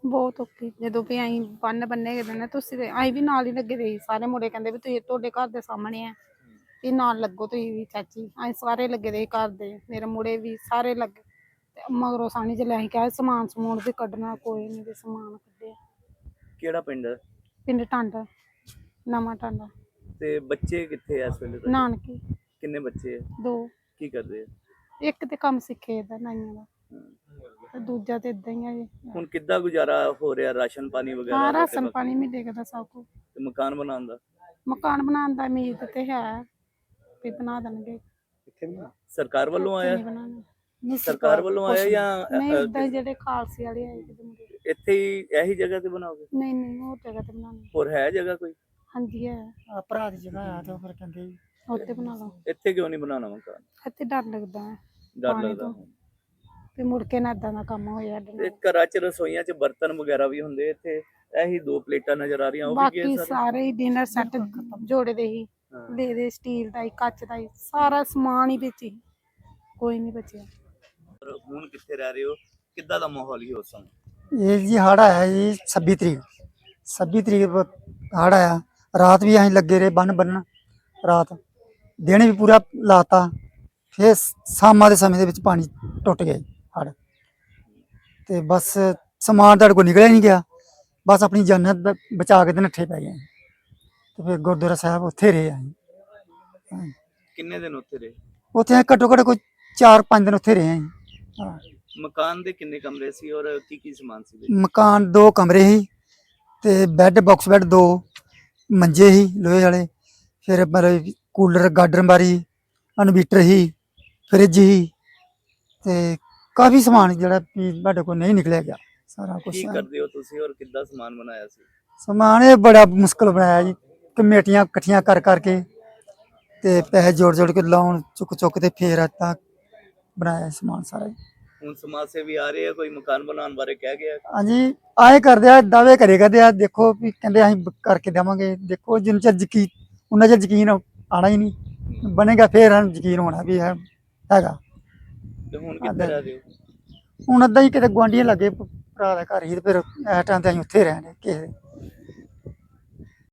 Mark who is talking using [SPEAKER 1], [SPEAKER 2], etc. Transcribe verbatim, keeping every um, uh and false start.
[SPEAKER 1] ਬਹੁਤ ਔਖੀ ਜਦੋਂ ਵੀ ਅਸੀਂ ਬੰਨ ਬੰਨੇ ਗਏ ਨੇ ਤੁਸੀਂ ਤੇ ਅਸੀਂ ਵੀ ਨਾਲ ਹੀ ਲੱਗੇ ਦੇ ਸੀ। ਸਾਰੇ ਮੁੰਡੇ ਕਹਿੰਦੇ ਵੀ ਤੁਸੀਂ ਤੁਹਾਡੇ ਘਰ ਦੇ ਸਾਹਮਣੇ ਆ ਵੀ ਨਾਲ ਲੱਗੋ ਤੁਸੀਂ ਵੀ ਚਾਚੀ। ਅਸੀਂ ਸਾਰੇ ਲੱਗੇ ਦੇ ਸੀ ਘਰ ਦੇ, ਮੇਰੇ ਮੁੰਡੇ ਵੀ ਸਾਰੇ ਲੱਗੇ ਤੇ ਮਗਰੋਂ ਸਾਨੀ ਚ ਅਸੀਂ ਕਿਹਾ ਸਮਾਨ ਸਮੂਨ ਵੀ ਕੱਢਣਾ, ਕੋਈ ਨਹੀਂ ਵੀ ਸਮਾਨ ਕੱਢਿਆ।
[SPEAKER 2] ਕਿਹੜਾ ਪਿੰਡ ਹੈ?
[SPEAKER 1] ਪਿੰਡ ਟਾਂਡਾ, ਨਵਾਂ ਟਾਂਡਾ।
[SPEAKER 2] ਤੇ ਬੱਚੇ ਕਿੱਥੇ ਆ ਇਸ ਵੇਲੇ ਤੁਹਾਡੇ?
[SPEAKER 1] ਨਾਨਕੇ
[SPEAKER 2] ਕਿੰਨੇ ਬੱਚੇ ਆ?
[SPEAKER 1] ਦੋ।
[SPEAKER 2] ਕੀ ਕਰਦੇ ਆ?
[SPEAKER 1] ਇੱਕ ਤੇ ਕੰਮ ਸਿੱਖੇ ਦਾ ਨਾਈਆਂ ਦਾ ਤੇ ਦੂਜਾ ਤੇ ਇਦਾਂ ਹੀ ਆ ਜੀ।
[SPEAKER 2] ਹੁਣ ਕਿੱਦਾਂ ਗੁਜ਼ਾਰਾ ਹੋ ਰਿਹਾ? ਰਾਸ਼ਨ ਪਾਣੀ ਵਗੈਰਾ
[SPEAKER 1] ਹਾਂ
[SPEAKER 2] ਦਾ ਤੇ
[SPEAKER 1] ਰਾਸ਼ਨ
[SPEAKER 2] ਬਾਕੀ-
[SPEAKER 1] ਪਾਣੀ ਮਿਲੇਗਾ ਦਾ ਸਭ ਕੁਛ।
[SPEAKER 2] ਤੇ ਮਕਾਨ ਬਣਾਉਣ ਦਾ?
[SPEAKER 1] ਮਕਾਨ ਬਣਾਉਣ ਦਾ ਉਮੀਦ ਤੇ ਹੈ ਵੀ ਬਣਾ ਦੇਣਗੇ।
[SPEAKER 2] ਸਰਕਾਰ ਵੱਲੋਂ
[SPEAKER 1] ਇੱਥੇ
[SPEAKER 2] ਆਇਆ?
[SPEAKER 1] ਨਹੀਂ ਬਣਾਉਣਾ। ਨਹੀਂ
[SPEAKER 2] ਸਰਕਾਰ ਵੱਲੋਂ ਆਇਆ ਜਾਂ
[SPEAKER 1] ਨਹੀਂ
[SPEAKER 2] ਅ,
[SPEAKER 1] ਏਦਾਂ ਹੀ ਜਿਹੜੇ ਖਾਲਸੇ ਵਾਲੇ ਆਏ ਕਿਤੇ ਮੁੰਡੇ।
[SPEAKER 2] ਇੱਥੇ ਹੀ ਇਹੀ ਜਗ੍ਹਾ ਤੇ ਬਣਾਓਗੇ?
[SPEAKER 1] ਨਹੀਂ ਨਹੀਂ ਹੋਰ ਜਗ੍ਹਾ ਤੇ ਬਣਾਉਣਾ।
[SPEAKER 2] ਹੋਰ ਹੈ ਜਗ੍ਹਾ ਕੋਈ?
[SPEAKER 1] ਹਾਂਜੀ ਹੈ,
[SPEAKER 3] ਆ ਭਰਾ ਦੀ ਜਗ੍ਹਾ ਆ ਤੇ ਫਿਰ ਕਹਿੰਦੇ
[SPEAKER 1] ਉੱਥੇ ਬਣਾ ਲਓ।
[SPEAKER 2] ਇੱਥੇ ਕਿਉਂ ਨਹੀਂ ਬਣਾਉਣਾ ਮਕਾਨ?
[SPEAKER 1] ਇੱਥੇ ਡਰ ਲੱਗਦਾ ਹੈ
[SPEAKER 2] ਡਰ
[SPEAKER 1] ਪਾਣੀ
[SPEAKER 2] ਲੱਗਦਾ?
[SPEAKER 1] ਤੋਂ ਵੀ ਮੁੜ ਕੇ ਨਾ ਏਦਾਂ ਦਾ ਕੰਮ ਹੋਇਆ ਸਾਡੇ
[SPEAKER 2] ਤੇ
[SPEAKER 1] ਨਾਲ।
[SPEAKER 2] ਘਰਾਂ 'ਚ ਰਸੋਈਆਂ 'ਚ ਬਰਤਨ ਵਗੈਰਾ ਵੀ ਹੁੰਦੇ, ਇੱਥੇ ਇਹੀ ਦੋ ਪਲੇਟਾਂ ਨਜ਼ਰ ਆ ਰਹੀਆਂ, ਉਹ ਵੀ ਕੀ
[SPEAKER 1] ਬਾਕੀ
[SPEAKER 2] ਸਾਰੇ?
[SPEAKER 1] ਸਾਰੇ ਹੀ ਡਿਨਰ ਸੈੱਟ ਜੋੜੇ ਦੇ ਹੀ
[SPEAKER 2] ਹਾਂ।
[SPEAKER 1] ਦੇ ਦੇ ਸਟੀਲ ਦਾ ਹੀ, ਕੱਚ ਦਾ ਹੀ, ਸਾਰਾ ਸਮਾਨ ਹੀ ਵਿੱਚ ਹੀ, ਕੋਈ ਨਹੀਂ ਬਚਿਆ।
[SPEAKER 2] ਪਰ ਹੁਣ ਕਿੱਥੇ ਰਹਿ ਰਹੇ ਹੋ? ਕਿੱਦਾਂ ਦਾ ਮਾਹੌਲ ਹੀ ਉਸ ਸਮੇਂ?
[SPEAKER 3] ਇਹ ਜੀ ਹੜ ਆਇਆ ਜੀ ਛੱਬੀ ਤਰੀਕ ਛੱਬੀ ਤਰੀਕ ਹੜ ਆਇਆ। ਰਾਤ ਵੀ ਅਸੀਂ ਲੱਗੇ ਰਹੇ ਬੰਨ ਬੰਨਣ, ਰਾਤ ਦਿਨ ਵੀ ਪੂਰਾ ਲਾਤਾ। ਫਿਰ ਸ਼ਾਮਾਂ ਦੇ ਸਮੇਂ ਦੇ ਵਿੱਚ ਪਾਣੀ ਟੁੱਟ ਗਿਆ ਹੜ ਤੇ ਬਸ ਸਮਾਨ ਤੁਹਾਡੇ ਕੋਲ ਨਿਕਲਿਆ ਨਹੀਂ ਗਿਆ। ਬਸ ਆਪਣੀ ਜਾਨ ਬ- ਬਚਾ ਕੇ ਤੇ ਨੱਠੇ ਪੈ ਗਏ ਤੇ ਫਿਰ ਗੁਰਦੁਆਰਾ ਸਾਹਿਬ ਉੱਥੇ ਰਹੇ ਅਸੀਂ। ਹਾਂ।
[SPEAKER 2] ਕਿੰਨੇ ਦਿਨ ਉੱਥੇ ਰਹੇ?
[SPEAKER 3] ਉੱਥੇ ਅਸੀਂ ਘੱਟੋ ਘੱਟ ਕੋਈ ਚਾਰ ਪੰਜ ਦਿਨ ਉੱਥੇ ਰਹੇ ਅਸੀਂ। ਹਾਂ।
[SPEAKER 2] ਮਕਾਨ ਦੇ ਕਿੰਨੇ ਕਮਰੇ ਸੀ ਔਰ ਕੀ ਕੀ ਸਮਾਨ ਸੀ ਵਿੱਚ?
[SPEAKER 3] ਮਕਾਨ ਦੋ ਕਮਰੇ ਸੀ ਤੇ ਬੈੱਡ ਬਾਕਸ ਬੈੱਡ ਦੋ, ਮੰਜੇ ਸੀ ਲੋਹੇ ਵਾਲੇ, ਫਿਰ ਮਤਲਬ ਕੂਲਰ, ਗਾਡਰ ਮਾਰੀ, ਇਨਵੀਟਰ ਸੀ, ਫਰਿੱਜ ਸੀ ਤੇ ਕਾਫੀ ਸਮਾਨ ਜਿਹੜਾ ਵੀ ਸਾਡੇ ਕੋਲ ਨਹੀਂ ਨਿਕਲਿਆ ਗਿਆ ਸਾਰਾ ਕੁਝ।
[SPEAKER 2] ਕੀ ਕਰਦੇ ਹੋ ਤੁਸੀਂ ਔਰ ਕਿੱਦਾਂ ਸਮਾਨ ਬਣਾਇਆ ਸੀ?
[SPEAKER 3] ਸਮਾਨ ਇਹ ਬੜਾ ਮੁਸ਼ਕਲ ਬਣਾਇਆ ਜੀ, ਕਮੇਟੀਆਂ ਇਕੱਠੀਆਂ ਕਰ ਕਰਕੇ ਤੇ ਪੈਸੇ ਜੋੜ ਜੋੜ ਕੇ ਲਾਉਣ ਚੁੱਕ ਚੁੱਕ ਤੇ ਫੇਰ ਏਦਾਂ ਬਣਾਇਆ ਸਮਾਨ ਸਾਰਾ ਜੀ।
[SPEAKER 2] ਹੁਣ ਸਮਾਜ ਸੇਵੀ ਆ ਰਹੇ ਆ, ਕੋਈ ਮਕਾਨ ਬਣਾਉਣ ਬਾਰੇ ਕਹਿ ਗਿਆ?
[SPEAKER 3] ਹਾਂਜੀ ਆਏ ਕਰਦੇ ਆ, ਦਾਅਵੇ ਕਰੇ ਕਰਦੇ ਆ, ਦੇਖੋ ਵੀ ਕਹਿੰਦੇ ਅਸੀਂ ਬ- ਕਰਕੇ ਦੇਵਾਂਗੇ। ਦੇਖੋ ਜਿੰਨਾ ਚਿਰ ਯਕੀਨ ਉਹਨਾਂ ਚਿਰ ਯਕੀਨ ਆਣਾ ਹੀ ਨਹੀਂ, ਬਣੇਗਾ ਫੇਰ ਸਾਨੂੰ ਯਕੀਨ ਹੋਣਾ ਵੀ ਹੈ ਹੈਗਾ।
[SPEAKER 2] ਤੇ ਹੁਣ ਕਿੱਥੇ ਰਹਿ ਰਹੇ ਹੋ?
[SPEAKER 3] ਹੁਣ ਅੱਧਾ ਹੀ ਕਿਤੇ ਗੁਆਂਢੀਆਂ ਲੱਗੇ ਭਰਾ ਦਾ ਘਰ ਹੀ ਤੇ ਫਿਰ ਇਸ ਟਾਈਮ ਤੇ ਅਸੀਂ ਉੱਥੇ ਰਹਿੰਦੇ ਕਿਸੇ ਦੇ।